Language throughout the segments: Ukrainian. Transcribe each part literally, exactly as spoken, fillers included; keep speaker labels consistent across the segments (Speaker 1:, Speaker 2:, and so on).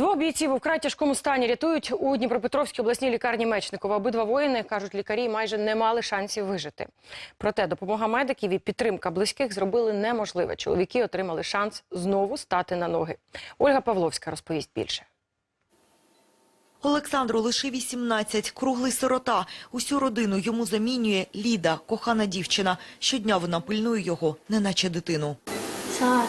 Speaker 1: Двох бійців у вкрай тяжкому стані рятують у Дніпропетровській обласній лікарні Мечникова. Обидва воїни, кажуть лікарі, майже не мали шансів вижити. Проте допомога медиків і підтримка близьких зробили неможливе. Чоловіки отримали шанс знову стати на ноги. Ольга Павловська розповість більше.
Speaker 2: Олександру лише вісімнадцять, круглий сирота. Усю родину йому замінює Ліда, кохана дівчина. Щодня вона пильнує його, неначе дитину.
Speaker 3: Саш,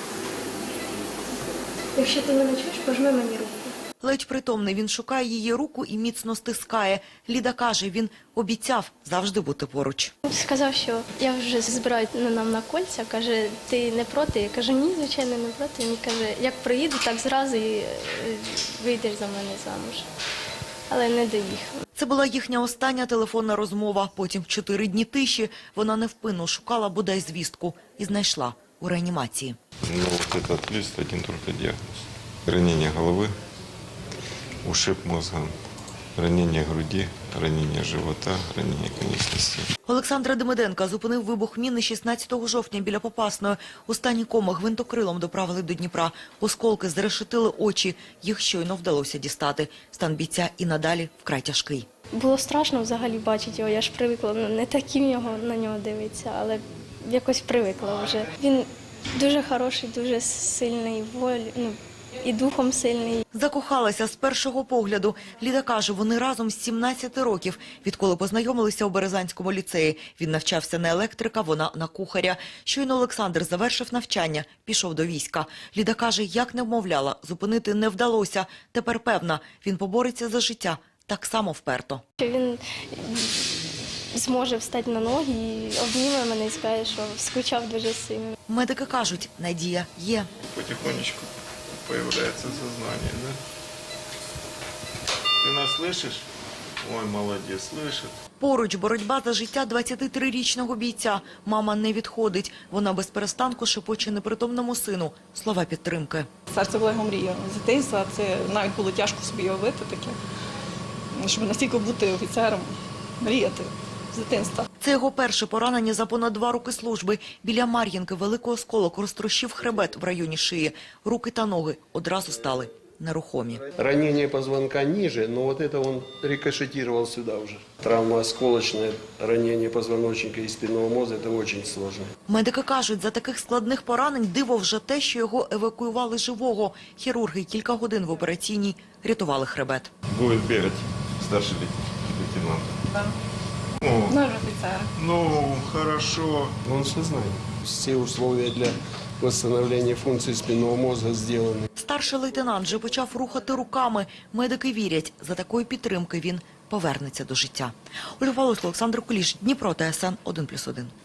Speaker 3: якщо ти мене чуєш, пожми мені руку.
Speaker 2: Ледь притомний, він шукає її руку і міцно стискає. Ліда каже, він обіцяв завжди бути поруч.
Speaker 3: Сказав, що я вже збираю нам на кольця, каже, ти не проти? Я кажу, ні, звичайно, не проти. Він каже, як приїду, так зразу і вийдеш за мене замуж. Але не доїхав.
Speaker 2: Це була їхня остання телефонна розмова. Потім чотири дні тиші вона невпинно шукала бодай звістку і знайшла у реанімації.
Speaker 4: Ну, вот этот лист, один только диагноз. Ранение головы, ушиб мозга, ранение груди, ранение живота, ранение конечностей.
Speaker 2: Олександра Демиденка зупинив вибух міни шістнадцятого жовтня біля Попасної. У стані коми гвинтокрилом доправили до Дніпра. Осколки зрешетили очі. Їх щойно вдалося дістати. Стан бійця і надалі вкрай тяжкий.
Speaker 3: Було страшно взагалі бачити його. Я ж привикла, ну, не таким його на нього дивитися, але якось привикла вже. Він дуже хороший, дуже сильний волі, ну, і духом сильний.
Speaker 2: Закохалася з першого погляду. Ліда каже, вони разом з сімнадцяти років, відколи познайомилися у Березанському ліцеї. Він навчався на електрика, вона на кухаря. Щойно Олександр завершив навчання, пішов до війська. Ліда каже, як не вмовляла, зупинити не вдалося. Тепер певна, він побореться за життя так само вперто.
Speaker 3: Він зможе встати на ноги і обніме мене і скаже, що скучав дуже сильно.
Speaker 2: Медики кажуть, надія є.
Speaker 4: Потихонечку появляется сознание, да? Ты нас слышишь? Ой, молодец, слышит.
Speaker 2: Поруч боротьба за життя двадцятитрирічного бійця. Мама не відходить. Вона без перестанку шепоче непритомному сину слова підтримки.
Speaker 5: Серце була його мрія з дитинства. Це навіть було тяжко собі уявити таке, щоб настільки бути офіцером, мріяти з дитинства.
Speaker 2: Це його перше поранення за понад два роки служби. Біля Мар'їнки великий осколок розтрощив хребет в районі шиї. Руки та ноги одразу стали нерухомі.
Speaker 6: Ранение позвонка ниже, но вот это он рикошетировал сюда уже. Травма осколочная, ранение позвоночника и спинного мозга – это очень сложно.
Speaker 2: Медики кажуть, за таких складних поранень диво вже те, що його евакуювали живого. Хірурги кілька годин в операційній рятували хребет.
Speaker 4: Будет бегать старший лейтенант.
Speaker 5: Да.
Speaker 4: О,
Speaker 5: Наш офіцер.
Speaker 4: ну, хорошо.
Speaker 6: Он в сознании. Все условия для восстановления функций спинного мозга сделаны.
Speaker 2: Старший лейтенант вже почав рухати руками. Медики вірять, за такої підтримки він повернеться до життя. Ольга Павловська, Олександр Куліш, Дніпро, Т С Н один плюс один.